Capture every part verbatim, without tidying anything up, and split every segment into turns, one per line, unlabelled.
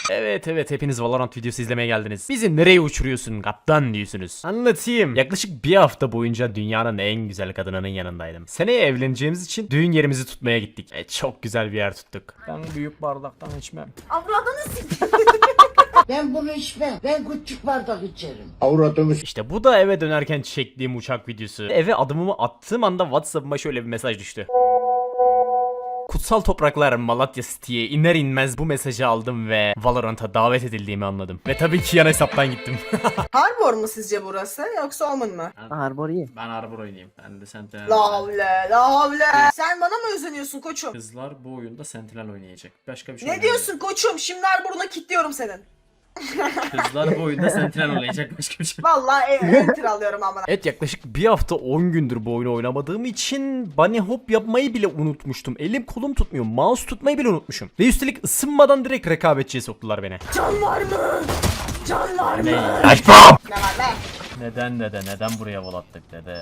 Evet evet hepiniz Valorant videosu izlemeye geldiniz. Bizi nereye uçuruyorsun kaptan diyorsunuz. Anlatayım. Yaklaşık bir hafta boyunca dünyanın en güzel kadınının yanındaydım. Seneye evleneceğimiz için düğün yerimizi tutmaya gittik. E, çok güzel bir yer tuttuk. Ben büyük bardaktan içmem.
Avradını s***.
Ben bunu içmem. Ben küçük bardak içerim.
Avradımız.
İşte bu da eve dönerken çektiğim uçak videosu. Eve adımımı attığım anda WhatsApp'ıma şöyle bir mesaj düştü. Kutsal topraklar Malatya City'ye iner inmez bu mesajı aldım ve Valorant'a davet edildiğimi anladım. Ve tabii ki yan hesaptan gittim.
Harbor mu sizce burası yoksa Omen mı?
Harbor iyi.
Ben Arbor oynayayım. Ben de Sentinel.
La havle la havle. Sen bana mı özeniyorsun koçum?
Kızlar bu oyunda Sentinel oynayacak. Başka bir şey
Ne diyorsun koçum? Şimdi Harbor'una kilitliyorum senin.
Kızlar bu oyunda Sentinel oynayacak. Başka bir şey.
Vallahi ev, enter alıyorum amına.
Evet yaklaşık bir hafta on gündür bu oyunu oynamadığım için bunny hop yapmayı bile unutmuştum. Elim kolum tutmuyor. Mouse tutmayı bile unutmuşum. Ve üstelik ısınmadan direkt rekabetçiye soktular beni.
Can var mı? Can var mı?
Açma!
Ne var be?
Neden dede? Neden buraya vol attık dede?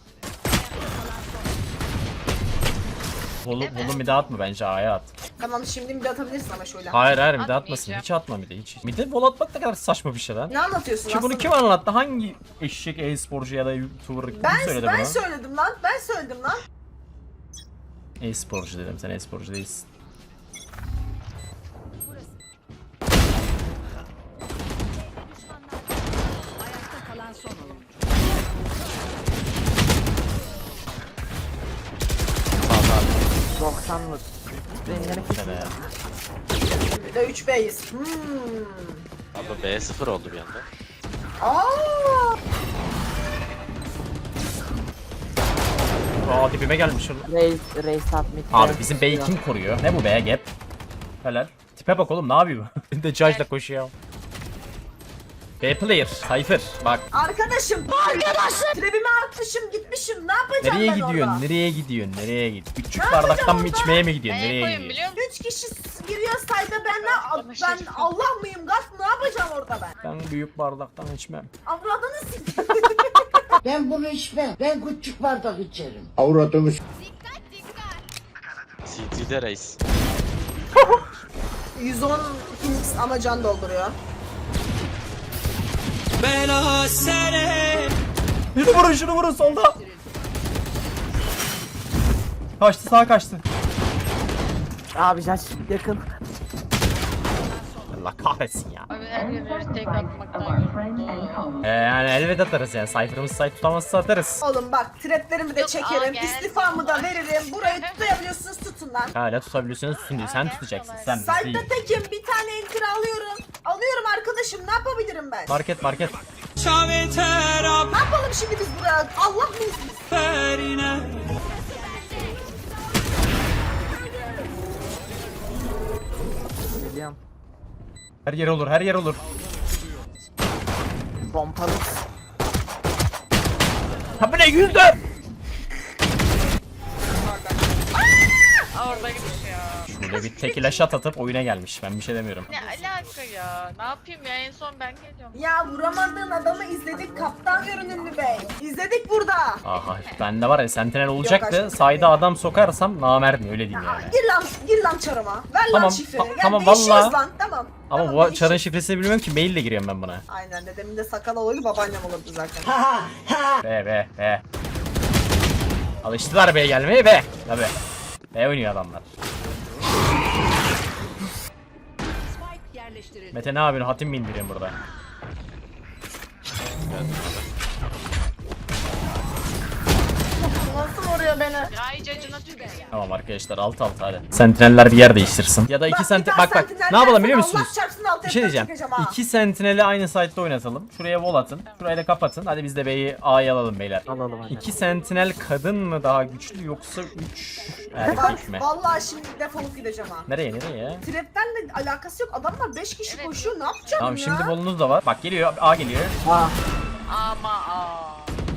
Volu, volu mide atma bence A'ya at.
Tamam şimdi bir de atabilirsin ama şöyle.
Hayır hayır mide atmasın. Hiç atma mide hiç. Mide vol atmak ne kadar saçma bir şey lan.
Ne anlatıyorsun
Ki bunu
aslında?
kim anlattı? Hangi eşek e-sporcu ya da YouTuber kim
Ben,
söyledi
ben
bunu?
söyledim lan. Ben söyledim lan.
E-sporcu dedim, sen e-sporcu değilsin.
doksanlık. Rengilemek
Sene ya.
Bir de üç B'yiz. Hmm.
Abi B sıfır oldu bir anda.
Aa!
Aa dibime gelmiş.
Reis, reis submit.
Abi bizim B'yi kim koruyor? Ne bu B gap? Helal. Tipe bak oğlum ne yapıyor bu? Bir de Judge'la koşuyor. B player, Cypher bak.
Arkadaşım. Arkadaşım. Trebime atmışım gitmişim. Ne yapacağım
Nereye
ben
gidiyorsun?
orada?
Nereye gidiyorsun? Nereye git? Küçük
Ne
bardaktan
yapacağım
mı
orada?
içmeye mi gidiyorsun?
Neye
Nereye
koyayım
gidiyorsun?
biliyor musun?
Üç kişi giriyor sayda ben ne? Ben Allah mıyım? Gaz ne yapacağım orada ben?
Ben büyük bardaktan içmem.
Avradını s***.
Ben bunu içmem. Ben küçük bardak içerim.
Avradımız.
C T'de reis.
yüz on Phoenix ama can dolduruyor.
Şunu vurun şunu vurun solda. Kaçtı sağa kaçtı.
Abi Judge yakın.
Allah kahretsin ya.
Abi her yere tek atmaktan yoruldu.
Ee, yani elbet atarız yani. Cypher'ımız site tutamazsa atarız.
Oğlum bak traplerimi de
Yok,
çekerim,
aa, gel.
istifamı da veririm. Burayı tutabiliyorsunuz tutun lan.
Hala tutabiliyorsunuz tutun diyor. Sen tutacaksın sen biz değil.
Site'da tekim bir tane enter alıyorum. Alıyorum arkadaşım ne yapabilirim ben?
Market market.
Ne yapalım şimdi biz buraya? Allah mıyız biz?
Geliyorum.
Her yer olur her yer olur.
Pompalı.
Ha bu ne yüzde?
Aa, orada gidiş ya.
Şöyle bir tekile shot atıp oyuna gelmiş. Ben bir şey demiyorum.
Ne alaka ya? Ne yapayım ya? En son ben geliyorum.
Ya vuramadığın adamı izledik kaptan görünümlü bey. İzledik burada.
Aha bende var ya Sentinel olacaktı.
aşkım.
Sayda adam sokarsam namerdim öyle diyeyim
Ya,
yani.
gir lan, gir lan çarıma. Ver lan
Tamam,
şifreni.
ta-
Gel,
tamam,
değişiyoruz
vallahi.
lan tamam.
Ama
tamam,
bu
değişiyoruz.
çarın şifresini bilmiyorum ki maille giriyorum ben buna.
Aynen dedemin de sakal olaydı babaannem olurdu zaten.
Be be be. Alıştılar be gelmeye be. Tabi. Be oynuyor adamlar. Mete ne yapıyorsun? Hatim mi indireyim burada?
Nasıl vuruyor beni?
Ya iyice acına tükür.
Tamam arkadaşlar alt alt hadi. Sentineller bir yer değiştirsin. Ya da iki
Bak, bir
senti
daha
bak bak.
sentinel
Ne yapalım
dersen
biliyor
Allah
musunuz?
çarpsın alt
Bir şey
F''den
diyeceğim.
çekeceğim ha.
İki sentineli aynı site'da oynatalım. Şuraya wall atın. Şurayı da kapatın. Hadi biz de B'yi A'ya alalım beyler.
Alalım hadi.
İki sentinel kadın mı daha güçlü yoksa üç
Bak
erkek mi?
vallahi şimdi defolup gideceğim ha.
Nereye nereye ya?
Trap'tenle alakası yok. Adamlar beş kişi
Evet.
koşuyor. Ne yapacağım
Tamam
ya?
şimdi bolunuz da var. Bak geliyor A geliyor.
Ah.
Ama aa.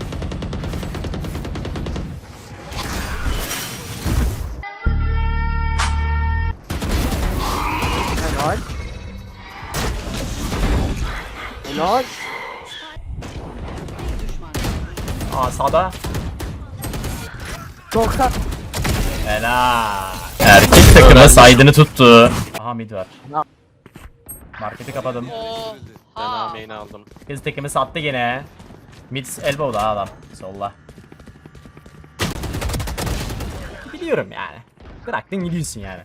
Helal. Helal.
A sağda.
doksan.
Helal. Erkek takımı saydığını tuttu. Aha mid var. Marketi kapadım.
Oo.
Ben
Ha.
A-main'i aldım.
Kız tekimi sattı gene. Mid elbow'da adam. Solla. Biliyorum yani. Bıraktın gidiyorsun yani.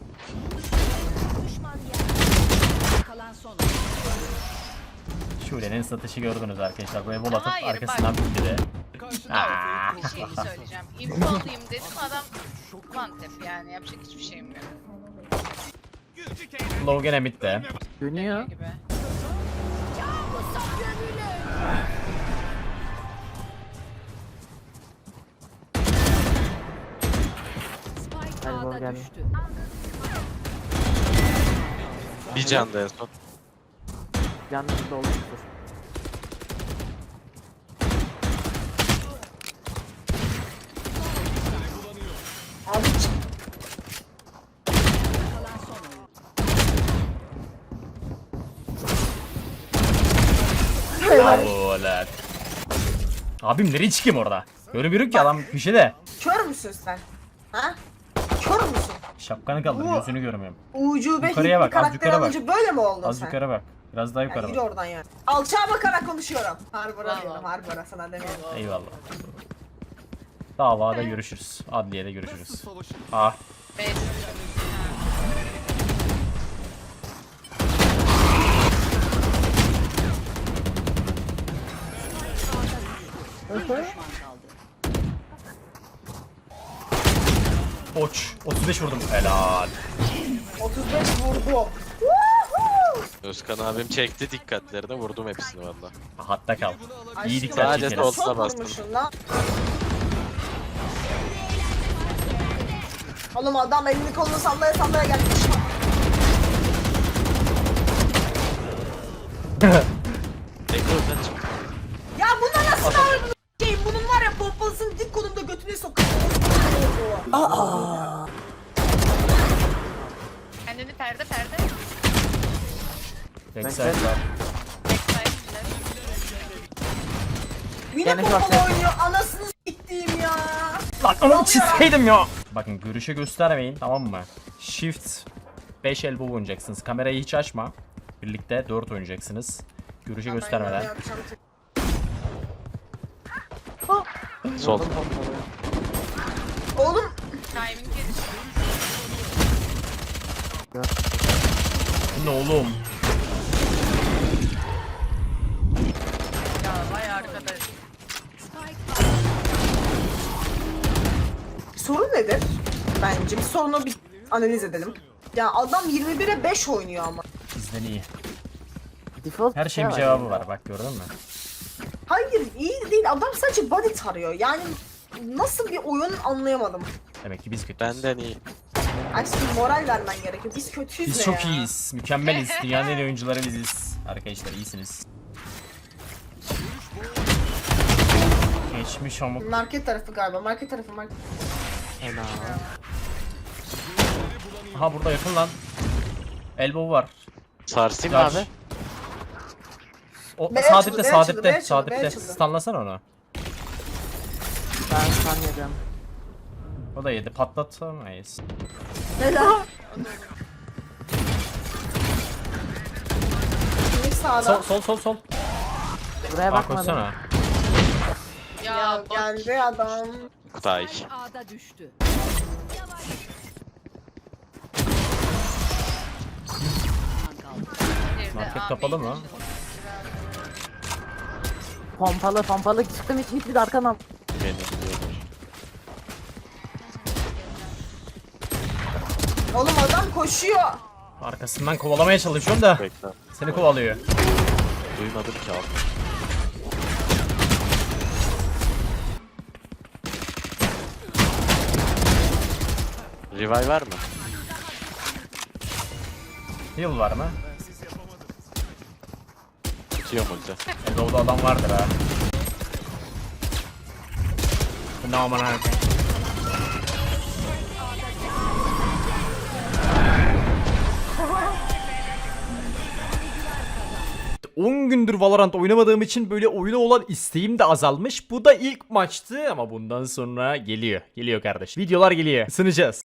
Kalan son.
Şule'nin satışı gördünüz arkadaşlar. Böyle bol atıp
Hayır,
arkasından
bak.
bitti de. Aa.
Bir şey söyleyeceğim. İnfo alayım dedim adam mantep yani yapacak hiçbir şeyim yok
Low gene midde.
Dönüyor.
gibi.
Spike
Elbow
A'da
geldi.
düştü.
Bir can da en son.
Canınız dolmuştur.
Abi çık.
Kalan son oyun.
Bravo lan. Abim nereye çıkayım orada? Görmüyorum ki adam köşede.
Kör müsün sen? Ha? Kör müsün?
Şapkanı kaldır,
Bu-
gözünü görmüyorum.
Ucube
Yukarıya
Hintli
bak, az
karakter
yukarı bak.
alınca böyle mi oldun
Az
sen?
yukarı bak. Biraz daha
Ya
yukarı
yürü
bak.
oradan yani. Alçağa bakarak konuşuyorum. Harbora
Bravo.
diyorum, harbora sana demiyorum.
Eyvallah. Davada görüşürüz. Adliyede görüşürüz. Ah.
Beş.
Bir düşman kaldı.
Oç. otuz beş vurdum. Helal.
otuz beş vurdum.
Özkan abim çekti dikkatlerini vurdum hepsini valla.
Hatta kal. İyi
Aşkım,
dikkat
Sadece
çekeriz.
sol.
Çok
bastım.
vurmuşsun lan. Oğlum adam elini kolunu sallaya sallaya gelmiş.
Ekran kaç.
Ya buna nasıl ağırdın şeyim? Bunun var ya pompalısını dik kolumda götüne sokuyor.
Kendini perde perde.
Backside var.
Backside.
Yine
Gene
pompalı
şort.
oynuyor. Anasını s**tiğim ya.
Lan onu çizseydim ya. Bakın görüşe göstermeyin, tamam mı? Shift beş elbow oynayacaksınız. Kamerayı hiç açma. Birlikte dört oynayacaksınız. Görüşe göstermeden.
Ben yapacağım.
Sol.
Oğlum
Timing gelişti.
Ne oğlum?
Ya vay arkadaş.
Spike
sorun nedir? Bence bir sorunu bir analiz edelim. Ya adam yirmi bire beş oynuyor ama.
Bizden iyi.
Default
Her şeyin bir
şey
cevabı var, bak gördün mü?
Hayır iyi değil, adam sadece body tarıyor. Yani nasıl bir oyun anlayamadım.
Demek ki biz kötüyüz.
Benden iyi.
Aşkım moral vermen gerekiyor. Biz kötüyüz
Biz
ne
çok
ya?
iyiyiz. Mükemmeliz. Dünyanın en iyi oyuncuları biziz. Arkadaşlar iyisiniz. Geçmiş amık.
Market tarafı galiba. Market tarafı market.
Helal.
Aha burada yakın lan. Elbow var.
Sarsayım mı
Judge.
abi?
O
B
sağ
açıldı,
dipte,
B
sağ
açıldı, B
dipte,
açıldı,
sağ
B
dipte.
açıldı.
Stunlasana onu.
Ben sanmıyorum.
O da yedi. Patlatamayız.
Helal. Kimlik sağda.
Sol sol sol sol.
Buraya
Bak
bakmadım.
koşsana.
Ya,
Ya
bot.
geldi adam.
Tay.
Spike A'da düştü. Düşman kaldı.
Bir de
Market
A
kapalı
main
mı?
açıldı.
Pompalı pompalı çıktım hiç gitmedi arkamdan.
Beni biliyorlar.
Oğlum adam koşuyor.
Arkasından kovalamaya çalışıyorum da
Bekle.
seni kovalıyor.
Duymadım ki abi. Revive var mı?
Heal var mı?
Tutuyor multi.
Elbow'da adam vardır ha. Ne aman ha. on gündür Valorant oynamadığım için böyle oyuna olan isteğim de azalmış. Bu da ilk maçtı ama bundan sonra geliyor. Geliyor kardeş. Videolar geliyor. Isınacağız.